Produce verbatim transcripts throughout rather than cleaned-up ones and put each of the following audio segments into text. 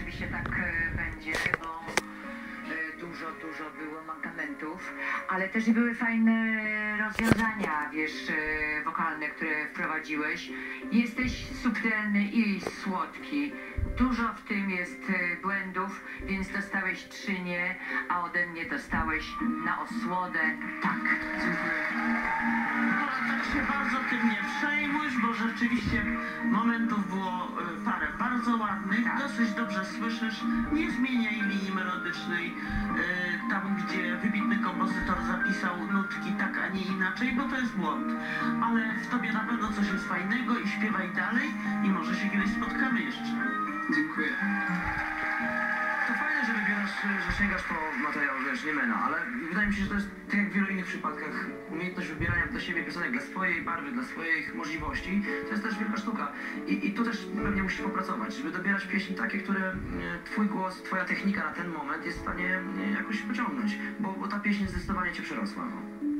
rzeczywiście tak e, będzie, bo e, dużo, dużo było mankamentów, ale też i były fajne rozwiązania, wiesz, e, wokalne, które wprowadziłeś. Jesteś subtelny i słodki. Dużo w tym jest e, błędów, więc dostałeś trzy nie, a ode mnie dostałeś na osłodę tak. Tak się bardzo tym nie przejmuj, bo rzeczywiście momentów było y, parę bardzo ładnych, Tak. dosyć dobrze słyszysz, nie zmieniaj linii melodycznej y, tam, gdzie wybitny kompozytor zapisał nutki tak, a nie inaczej, bo to jest błąd. Ale w tobie na pewno coś jest fajnego i śpiewaj dalej i może się kiedyś spotkamy jeszcze. Dziękuję. To fajne, że wybierasz, że sięgasz po materiał, wiesz, nie mena, ale wydaje mi się, że to jest tak jak w wielu innych przypadkach, umiejętność wybierania dla siebie piosenek, dla swojej barwy, dla swoich możliwości, to jest też wielka sztuka. I, i tu też pewnie musisz popracować, żeby dobierać pieśni takie, które e, twój głos, twoja technika na ten moment jest w stanie e, jakoś pociągnąć, bo, bo ta pieśń zdecydowanie cię przerosła. No.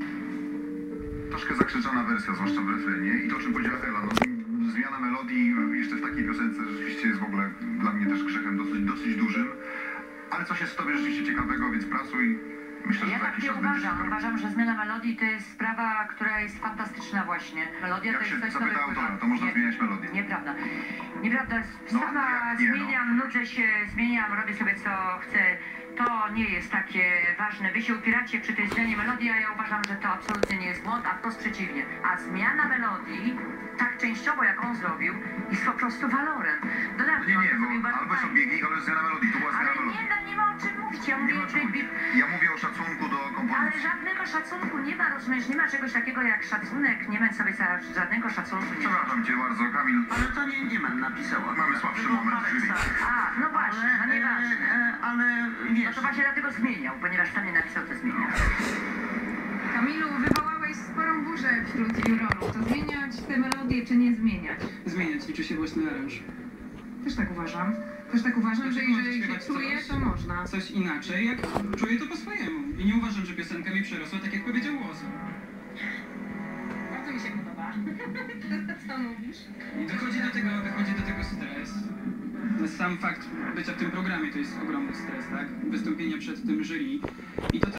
Troszkę zakrzyczana wersja, zwłaszcza w refrenie i to, o czym powiedziała Ela, no, zmiana melodii jeszcze w takiej piosence rzeczywiście jest w ogóle dla mnie też grzechem dosyć, dosyć dużym, ale coś jest w tobie rzeczywiście ciekawego, więc pracuj. Myślę, że Ja za tak jakiś nie czas będziesz uważam. super. Uważam, że zmiana melodii to jest sprawa, która jest fantastyczna właśnie. Melodia Jak to się jest coś, co zapyta wypływa. autora, to można Nie, zmieniać melodię. Nieprawda. Nieprawda. No, Sama jak nie, no. zmieniam, nudzę się, zmieniam, robię sobie co chcę. To nie jest takie ważne. Wy się upieracie przy tej zmianie melodii, a ja uważam, że to absolutnie nie jest błąd, a wprost przeciwnie. A zmiana melodii, tak częściowo jak on zrobił, jest po prostu walorem. Dodatkowo, No nie, nie, to zrobił bo bardzo albo są fajnie. biegi, albo jest zmiana melodii, to była zmiana Ale melodii. nie, no, nie ma o czym mówić. Ja mówię, Nie ma o czym by- mówić. by- Ja mówię o szacunku do ale kompozycji. żadnego szacunku nie ma, rozumiesz, nie ma czegoś takiego jak szacunek, nie ma sobie za żadnego szacunku, nie ma. Przepraszam cię bardzo, Kamil. Ale to nie, nie mam napisała. Mamy słabszy Było moment parę w jury. start. A, no właśnie, no Ale, nieważne. e, ale No wiesz, to właśnie dlatego zmieniał, ponieważ to nie napisał, to zmieniał. Kamilu, wywołałeś sporą burzę wśród jurorów. To zmieniać te melodie, czy nie zmieniać? Zmieniać, liczy się własny aranż. Też tak uważam. Też tak uważam, że Dlaczego możesz jeżeli się śpiewać czuje, coś? to można. Coś inaczej, jak czuję to po swojemu. I nie uważam, że piosenka mi przerosła, tak jak powiedział głos. Bardzo mi się podoba. Co mówisz? I dochodzi do tego, dochodzi do tego stres. Sam fakt bycia w tym programie to jest ogromny stres, tak? Wystąpienie przed tym jury. I to